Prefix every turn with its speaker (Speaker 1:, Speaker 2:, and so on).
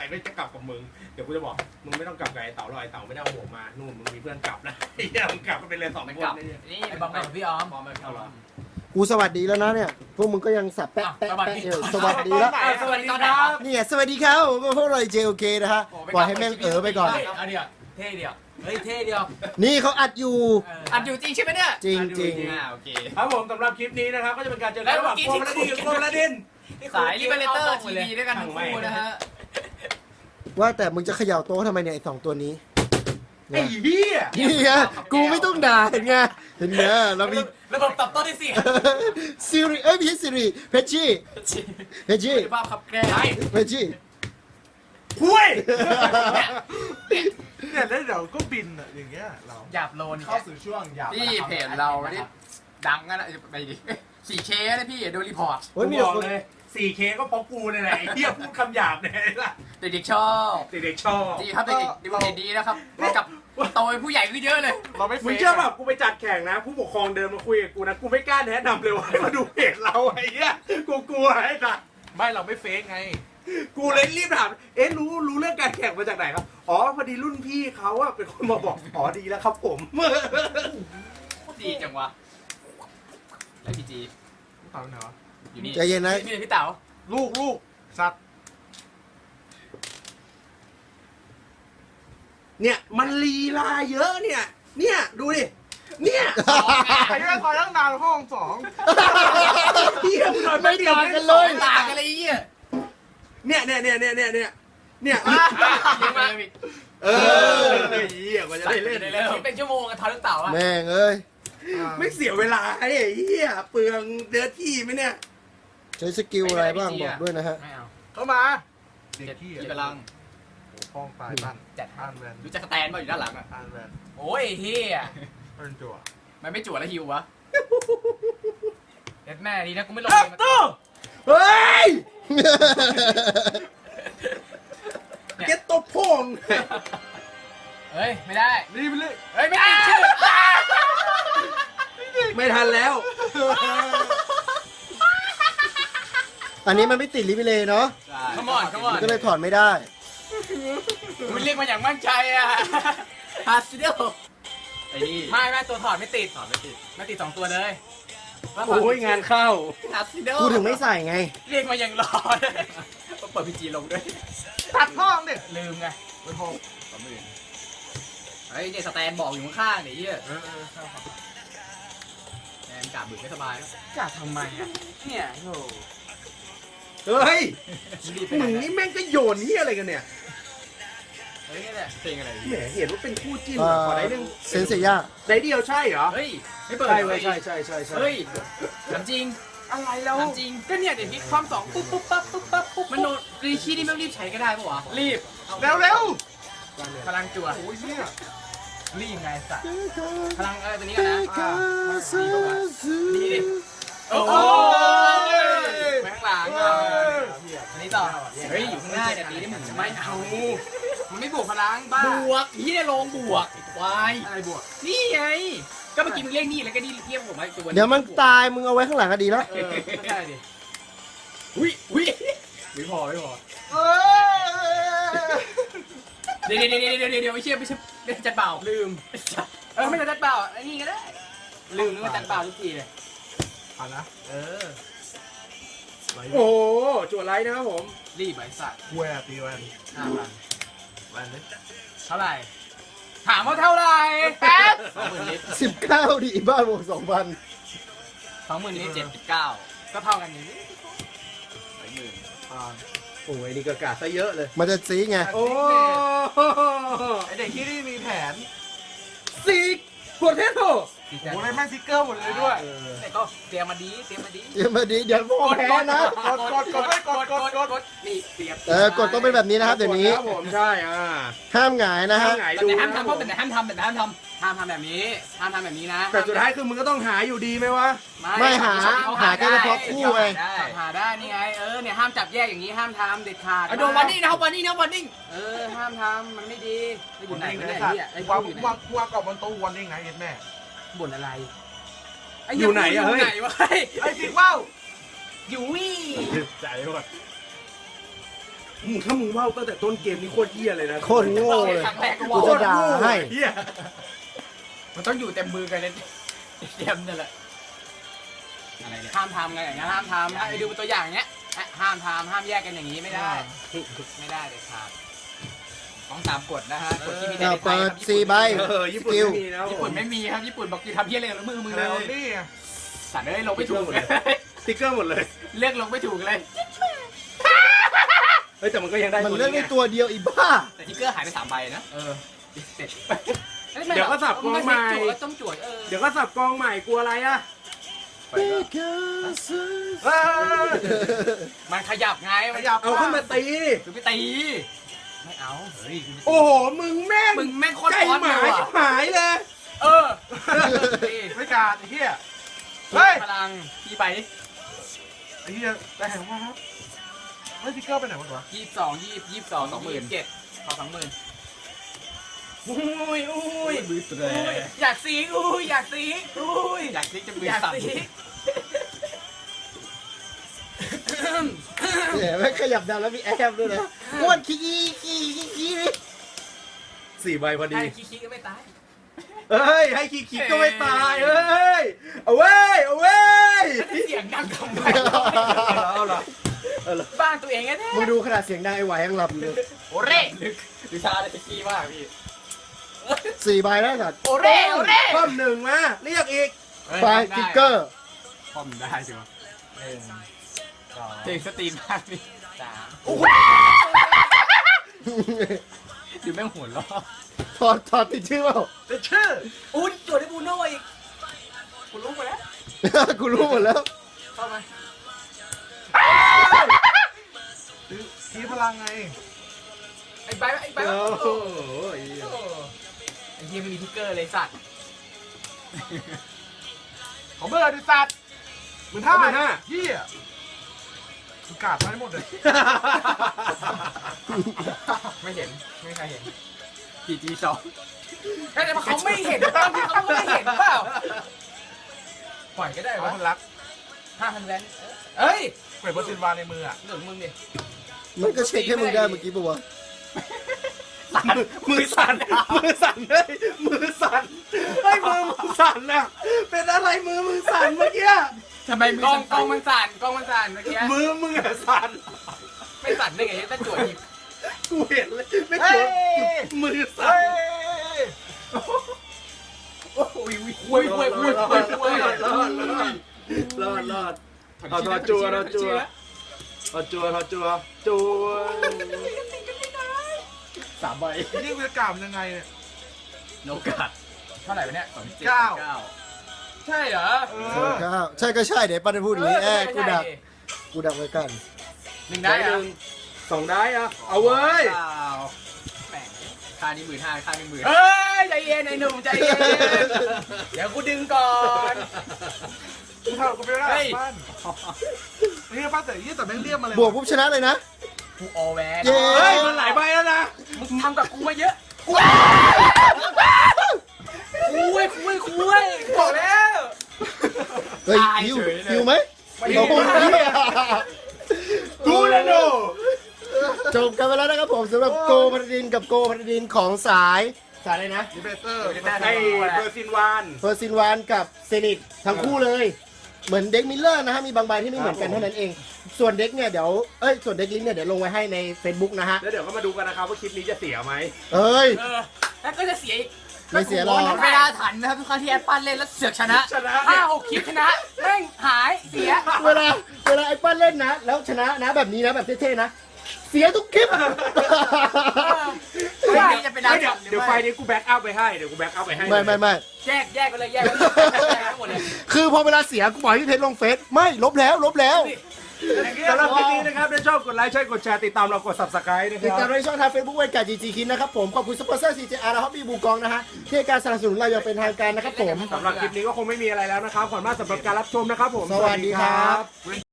Speaker 1: ไม่จะกลับกับมึงเดี๋ยวกูจะบอกมึงไม่ต้องกลับกับไอ้เต่าหรอกไอ้เต่าไม่ได้เอาหัวมานู่นมึงมีเพื่อนกลับนะไอ้เหี้ยมึงกลับก็เป็นเลย2 คน
Speaker 2: นี่ไอ้บอมกับพี่ออม
Speaker 1: พร้อมไหมเอาหรอ
Speaker 3: กูสวัสดีแล้วนะเนี่ยพวกมึงก็ยังสับแปะแปะแปะสวัสดีแล้ว
Speaker 2: สวัสดีครับ
Speaker 3: เนี่ยสวัสดีครับพวกเราเจโอเคนะฮะปล่อยให้แม่งไปก่อน
Speaker 2: อันเดียวเท่เดียวเฮ้ยเท่เดียว
Speaker 3: นี่เขาอัดอยู่
Speaker 2: อัดอยู่จริงใช่ไหมเนี่ย
Speaker 3: จริงจริง
Speaker 2: โอเค
Speaker 1: ครับผมสำหรับคลิปนี้นะครับก็จะเป็นการเจอกันระหว่างโกมและดินกับโกมและดิน
Speaker 2: สายลิเบเลเตอร์ทีวีด้วยกันทั้งคู่นะฮะ
Speaker 3: ว่าแต่มึงจะเขย่าโต๊ะทำไมเนี่ยไอ้2 ตัวนี้
Speaker 1: ไอ้เหี้ย
Speaker 3: นี่ไงกูไม่ต้องด่าเห็นไงเห็นไงเรามี
Speaker 2: ระบบตอบโต้ได้สิ
Speaker 3: ซิริเอ้ยไม่ใช่ซิริเพชชี่เพชชี่
Speaker 2: ภาพขับแกล้ง
Speaker 3: เพชชี่
Speaker 1: พุ้ย
Speaker 4: เนี่ยแล้วเดี๋ยวก็บินอ่ะอย่างเงี้ยเรา
Speaker 2: หยาบโลน
Speaker 4: เข้าสู่ช่วงหยาบ
Speaker 2: พี่เพจเรานี่ดังกันนะไปดิ 4K นะพี่ดูรีพอร์ต
Speaker 3: โอ้ยมี
Speaker 1: บ
Speaker 3: แต่
Speaker 1: อก
Speaker 3: คน
Speaker 1: เลย 4K ก็เพราะกูเนี่ยแหละไอ้เหี้ยพูดคำหยาบเนี่ยล่ะ
Speaker 2: เด็กๆชอบ
Speaker 1: เด็กๆชอบ
Speaker 2: ดีครับเด็กๆดีดีนะครับกับโตเป็นผู้ใหญ่ขึ้นเยอะเลย
Speaker 4: เราไม่
Speaker 1: มึงเชื่อป่ะกูไปจัดแข่งนะ ผู้ปกครองเดินมาคุยกับกูนะกูไม่กล้าแนะนำเลยว่าให้มาดูเพจเราไอ้เหี้ยกูกลัวไอ้สัส
Speaker 4: ไม่เราไม่เฟกไง
Speaker 1: กูเลยรีบถามเอ๊ะรู้เรื่องการแข่งมาจากไหนครับอ๋อพอดีรุ่นพี่เขาอะเป็นคนมาบอกอ๋อดีแล้วครับผม
Speaker 2: ดีจังวะแล้วพี่จี
Speaker 4: เต่าไหนวะ
Speaker 2: อยู่นี่
Speaker 3: ใจเย็นนะ
Speaker 2: พี่เต๋า
Speaker 4: ลูกสัตว์
Speaker 1: เนี่ยมันลีลาเยอะเนี่ยดูดิเนี่ย
Speaker 4: ไอ้เรื่องคอยตั้งนานห้อง2
Speaker 1: เหี้ยมึงหน่อย
Speaker 3: ไม่ต่างกันเลย
Speaker 2: ต่างกันเลยไอ้เหี้ย
Speaker 1: เนี่ย
Speaker 2: ยังไงพี่
Speaker 1: เออเหี้ยกว่าจะได้เล่น
Speaker 2: คิดเป็นชั่วโมงกันทอนลูกเต๋าอะ
Speaker 3: แม่งเอ้ย
Speaker 1: ไม่เสียเวลาไอ้เหี้ยเปลืองเดือที่ไหมเนี่ย
Speaker 3: ใช้สกิลอะไรบ้างบอกด้วยนะฮะ
Speaker 2: ไม่เอา
Speaker 4: เข้ามาเด็ก
Speaker 2: เจ็ด
Speaker 4: ขี้
Speaker 2: ที่พลัง
Speaker 4: ห้องตายบ้าน
Speaker 2: จัด
Speaker 4: อ่านแวน
Speaker 2: รู้จักสแตนป่ะอยู่ด้านหลังอะ
Speaker 4: อ่านแวน
Speaker 2: โอ้ยเฮีย
Speaker 4: เป็นจั่ว
Speaker 2: มันไม่จั่วแล้วฮิววะเด็ดแม่ดีนะกูไม่ลง
Speaker 1: ครับ
Speaker 2: เลย
Speaker 1: ตู้เฮ้ยเก็ตตบพง
Speaker 2: เฮ้ยไม่ได้
Speaker 4: รีบไปเลย
Speaker 2: เฮ้ยไม่ติดชื่อ
Speaker 1: ไม่ทันแล้ว
Speaker 3: อันนี้มันไม่ติดลิมิเลยเนาะ
Speaker 2: ขมอนขมอน
Speaker 3: ก็เลยถอดไม่ได้
Speaker 2: คุณเรียกมาอย่างมั่นใจอะฮาซิเดลไอ้นี่ไม่ตัวถอดไม่ติดไม่ติด2 ตัวเลย
Speaker 1: โอ้ยงานเข้า
Speaker 2: ฮาซิเดล
Speaker 3: กูถึงไม่ใส่ไง
Speaker 2: เรียกมาอย่างรอเปิดพีจีลงด้วย
Speaker 4: ตัดห้องดิ
Speaker 2: ลืมไง
Speaker 4: เป็นห้อง
Speaker 2: เฮ้ยเนี่ยสแตนบอกอยู่ข้างๆเนี่ยเฮีย
Speaker 4: เข้า
Speaker 2: แอนกาบึกไม่สบายแล้วกาทำไมอ่ะเนี่ยโธ่
Speaker 1: เฮ้ย
Speaker 2: รีบไป
Speaker 1: มึงนี่แม่งก็โยนนี่อะไรกันเนี่ย
Speaker 2: เฮ้ยนี่แหละเพลงอะไร
Speaker 1: แหมเห็นว่าเป็นคู่จิ้น
Speaker 3: เอ่
Speaker 1: อะ
Speaker 3: อ
Speaker 1: ขอได้หนึ่ง
Speaker 3: เซนเซีย
Speaker 1: ได้เดียวใช่เหรอ
Speaker 2: เฮ้ยไม่เปิด
Speaker 1: ใช่เว้ยใช่
Speaker 2: เฮ้ยถามจริง
Speaker 1: อะไรแล้ว
Speaker 2: ถามจริงก็เนี่ยเดี๋ยวนี้ความ2ปุ๊บปุ๊บปั๊บปุ๊บปั๊บปุ๊บมันโนรีชีนี่ไม่รีบใช้ก็ได้ปะวะรีบ
Speaker 4: เร็ว
Speaker 2: พลังจั่ว
Speaker 4: โอ้ยเนี่ย
Speaker 2: รีบไงสัตว์พลังตัวนี้กันนะโอ้ยไปข้างหลังอันนี้ต่อเฮ้ยอยู่ข้างหน้าเนี่ยตีได้เหมือนไม่เอามันไม่บวกพลังบ้าบวกที่ได้ลงบวกวายอะไรบวกนี่ไงก็เมื่อกี้มึงเรียกนี่แล้วก็นี่เรียกผมมาตัว
Speaker 3: เดี๋ยวมันตายมึงเอาไว้ข้างหลังก็ดีแล้ว
Speaker 2: ไม่ได้ดิอุ้ยไม่พอ เดี๋ยวไม่เชื่อไม่จัดเปล่าลืมไม่จัดเปล่าไอ้นี่ก็ได้ลืมนึกว่าจัดเปล่าทุกทีเลย
Speaker 4: ผ่านนะ
Speaker 1: โอ้จวดไลท์นะครับผม
Speaker 2: รีบไอ้สัตว์
Speaker 4: แหวนตีแวน
Speaker 2: 5,000
Speaker 4: แวนเลย
Speaker 2: เท่าไหร่ถามว่าเท่าไหร่แป๊บ20,000ลิตร
Speaker 3: 19ดิบ้านบวก2,000
Speaker 2: 20,000ลิตร79ก็เท่ากันอย่างนี้
Speaker 4: ผ่าน
Speaker 1: โอ้ยนี่ก็กาดซะเยอะเลย
Speaker 3: มันจะซีไง
Speaker 1: โอ้
Speaker 4: ไอเด็กที่นี่มีแผน
Speaker 1: ซีกโปเทโต้
Speaker 4: โอ้ยแม่งซิกเกอร์หมดเลยด้วย
Speaker 2: แต่ก็เตรียมมาดี
Speaker 3: เดี๋ยวมาดีเดี๋ยวพ่อแพ้นะ
Speaker 4: กด
Speaker 2: นี่เตรียม
Speaker 3: กดต้องเป็นแบบนี้นะครับเดี๋ยวนี้
Speaker 1: ครับผมใช่
Speaker 3: ห้ามหงายนะฮะ
Speaker 1: ห้ามหงาย
Speaker 2: แต่
Speaker 1: ดู
Speaker 2: ห้าม
Speaker 1: นะ
Speaker 2: ทำเพราะแต่ห้ามทำแบบนี้นะ
Speaker 1: แต่สุดท้ายคือมึงก็ต้องหาอยู่ดีไหมวะ
Speaker 3: ไม่หาแค่เฉพาะคู่ไง
Speaker 2: หาได้นี่ไงเนี่ยห้ามจับแยกอย่างนี้ห้ามทำเด็ดขาดโดนวันนี้นะครับวันนี้ห้ามทำมันไม่ดีอยู่ไหน
Speaker 4: ไ
Speaker 2: กันเนี่ยไอ้
Speaker 4: วาง
Speaker 2: อยู่ไหน
Speaker 4: วางกรอบบนโต๊ะวันนี้ไงเอ็ดแม่
Speaker 2: บ่นอะไร
Speaker 1: อยู่ไหนอะเฮ้ย
Speaker 2: วะ
Speaker 4: ไอ้สิว่าว
Speaker 2: อยู่วี่
Speaker 1: ใจหมดถ้ามึงว่าวตั้งแต่ต้นเกมนี่โคตรเหี้ยเลยนะ
Speaker 3: โคตรโง่เลย
Speaker 2: ครั้งแรกก็
Speaker 3: กู
Speaker 2: ว่า
Speaker 3: จะด่าให้
Speaker 1: เหี้ย
Speaker 2: มันต้องอยู่เต็มมือกันเลยเต็มนั่นแหละอะไรเนี่ยห้ามทำไงอย่างนี้นห้ามทำให้ดูเป็นตัวอย่างเนี้ยห้ามทำห้ามแยกกันอย่างนี้ไม่ได้ไม่ได้เลยครับต้องตามกฎนะฮะกฎที่มีใน
Speaker 3: เอา
Speaker 2: ไท
Speaker 3: เปิ
Speaker 2: ย
Speaker 3: ด
Speaker 2: ครับ
Speaker 3: 4 ใบ
Speaker 1: ญี่ปุ่นไม่มีนะ
Speaker 2: ญี่ปุ่นไม่มีครับญี่ปุ่นบอกคือทำเพี้ยอะไรกับมือเล
Speaker 4: แล้ว
Speaker 2: ย
Speaker 4: นี่ไง
Speaker 2: สัตว์เอ้ยลงไม่ถูกเลย
Speaker 1: สติ๊กเกอร์หมดเลย
Speaker 2: เลือกลงไม่ถูกเลย
Speaker 1: เฮ้ยแต่มันก็ยังได้
Speaker 3: มัน
Speaker 1: ตัว
Speaker 3: เลือกได้
Speaker 1: ไง
Speaker 3: ตัวเดียวอีบ้า
Speaker 2: แต่ทิกเกอร์หายไป3 ใบนะเสร็จ
Speaker 1: เดี๋ยวก็สับกองใหม่
Speaker 2: ต้องจวด
Speaker 1: เดี๋ยวก็สับกองใหม่กลัวอะไรอะ
Speaker 2: มันขยับไง
Speaker 4: ขยับ
Speaker 1: เอาขึ้นมาตี
Speaker 2: คือไปตีไม่เอาเฮ้ย
Speaker 1: โอ้โหมึงแม่ง
Speaker 2: มึงแม่งโคตร
Speaker 1: ใจ
Speaker 2: ร้อน
Speaker 1: หมา
Speaker 2: เลย
Speaker 1: ชิบหายเลย
Speaker 4: ไม่การไอ้เหี้ยเฮ้ย
Speaker 2: พลังกี่ใบ
Speaker 4: ไอ้เหี้ยได้เห็นว่าครับเฮ้ยสติ๊กเกอร์ไปไหนหมดวะ
Speaker 2: 22 27พอ20,000อุ้ยอยากซีอยากซีอยากซีจะมือสั่น
Speaker 3: เนี่ยไม่ขยับดังแล้วมีแอบด้วยนะอ้วนขี้นี่
Speaker 1: 4 ใบพอดี
Speaker 2: ไอ้ขี้ก็ไม่ตาย
Speaker 1: เฮ้ยให้คิกก็ไม่ตายเฮ้ยเอาเว้ยเอาเว้ย
Speaker 2: เสียงดังทำไม
Speaker 1: เอาละ
Speaker 2: บ้านตัวเองแน่
Speaker 3: มึงดูขนาดเสียงดังไอ้ไหวยังหลับอยู่เลย
Speaker 2: โอเร่ลึกดิชาได้ขี้มากพี่
Speaker 3: 4 ใบแล้วสัตว์
Speaker 2: โอเร่
Speaker 1: ป้อมหนึ่งมาเรียกอีก
Speaker 3: ไฟสติ๊กเกอร์
Speaker 2: ป้อมได้ใช่ไหมเพลงสตรีมมากพี่ดูแม่งหัวล้อ
Speaker 3: ถอดติดชื่อเปล่า
Speaker 4: เป็นชื่อ
Speaker 2: อุ้ยจวดได้บูโน่อีกกูรู้ไปแล้ว
Speaker 3: กูรู้หมดแล้ว
Speaker 2: เข้ามา
Speaker 4: ทีพลังไง
Speaker 2: ไอ้ใบ
Speaker 1: โอ้โห
Speaker 2: ไอ้เฮียไม่มีทิกเกอร์เลยสัตว์
Speaker 4: ของเบอร์ดิสัตว์15,000
Speaker 1: 15,000
Speaker 4: เหี้ยกูกาดมาให้หมดเลย
Speaker 2: ไม่เห็นไม่มีใครเห็นGG2แต่เขาไม่เห็นตามที่เขาไม่เห็นเปล่าปล่อยก็ได้
Speaker 4: เอา
Speaker 2: วะ
Speaker 4: คนรัก
Speaker 2: 5,000 แวนเอ้ย
Speaker 4: เปิดเบอร์ซินวาในมืออ่ะ
Speaker 2: เหลืองมึงดิ
Speaker 3: มันก็เช็คให้มึงได้เมื่อกี้ปะวะ
Speaker 1: มือสั่นมือสั่นเลยมือสั่นไอ้ยมือสั่นน่ะเป็นอะไรมือสั่นเมื่อกี้
Speaker 2: ทำไมกองมันสั่นเมื่อกี้
Speaker 1: มืออะสั่น
Speaker 2: ไม่สั่นได้ไงถ้าจวดหยิบ
Speaker 1: กูเห็นเลยไม่
Speaker 4: เฮ้
Speaker 1: เจ
Speaker 4: ย
Speaker 1: อมือสั่
Speaker 4: เฮ้
Speaker 1: น
Speaker 4: ย
Speaker 2: โอ้ย
Speaker 1: รอดเอาทอจัวจัว
Speaker 3: 3 ใบ
Speaker 4: นี่กูจะกล่าวมันยังไงเนี่ย
Speaker 2: โนกัดเท่าไหร่วะเนี่ย
Speaker 4: 9
Speaker 2: ใช่เหรอ
Speaker 3: ใช่ก็ใช่เดี๋ยวป้าจะพูดอย่างนี้กูดักไว้กัน
Speaker 2: 1
Speaker 1: ได้
Speaker 2: ได้
Speaker 1: ห
Speaker 2: เหรอ
Speaker 1: นึ่ง2ได้อะเอาเว้ย
Speaker 2: แหมค่านี้15,000ค่านี้10,000เฮ้ยใจเย็นไอ้หนุ่มใจเย็นเดี๋ยวกูดึงก่อน
Speaker 4: กูทำกูไม่ได้บ้านนี่ป้าแต่ยี่แต่แม่งเรียกมาเลย
Speaker 3: บวกปุ๊บชนะเลยนะ
Speaker 2: กูออแวน
Speaker 3: เย้
Speaker 1: เฮ้ยมันหลายใบแล้วนะ
Speaker 2: มึงทำกับกูมาเยอะคุยบอกแล้ว
Speaker 3: เฮ้ย
Speaker 2: ตาย
Speaker 3: ฮิว
Speaker 2: เฉยเลย
Speaker 3: ฮิวไหม
Speaker 2: ไม่
Speaker 3: โอ้โห
Speaker 1: กูเลยโน
Speaker 3: จบกันไปแล้วนะครับผมสำหรับโกพันดินกับโกพันดินของสายอะไรนะ
Speaker 4: ดิเบเตอร์
Speaker 1: ไอ้เบอร์ซินวาน
Speaker 3: เฟอร์ซินวานกับเซนิตทั้งคู่เลย เหมือนเด็กมิลเลอร์นะฮะมีบางใบที่ไม่เหมือนกันเท่านั้นเอง ส่วนเด็กเนี่ยเดี๋ยวส่วนเด็กลิงก์เนี่ยเดี๋ยวลงไว้ให้ใน Facebook นะฮะ
Speaker 1: แล้วเดี๋ยวก็มาดูกันนะครับว่าคลิปนี้จะเสียไหม
Speaker 3: เอ้ย
Speaker 2: แล้วก็จะเสียอีก
Speaker 3: ไม่เสียหรอก
Speaker 2: เวลาถันนะครับทุกครั้งที่แอปปั้นเล่นแล้วเสือกชนะ 5-6 คลิปชนะแม่งหายเสีย
Speaker 3: เวลาไอ้ปั้นเล่นนะ แล้วชนะนะแบบนี้นะแบบเท่ๆนะ เสียทุกคลิป
Speaker 2: ไม่จะเป็นดาว
Speaker 1: เดี๋ยวไฟนี้กูแบ็กอัพไปให้เดี๋ยวกูแบ็กอัพไปให้
Speaker 3: ไม่
Speaker 2: แยกไปเลยทั้งหมดเลย
Speaker 3: คือพอเวลาเสียกูบอกให้พี่เพชรลงเฟซไม่ลบแล้ว
Speaker 1: สำหรับคลิปนี้นะครับถ้าชอบกดไลค์ใช่กดแชร์ติดตามเรากด subscribe นะค
Speaker 3: ติดตาม
Speaker 1: รับ
Speaker 3: ในช่องทาง Facebook เวนการจีจีคินนะครับผมขอบคุณสปอนเซอร์ CJR และฮอปปี้บูกองนะฮะที่ให้การสนับสนุนเราอย่างเป็นทางการนะครับผม
Speaker 1: สำหรับคลิปนี้ก็คงไม่มีอะไรแล้วนะครับขอบคุณมากสำหรับการรับชมนะครับผม
Speaker 3: สวัสดีครับ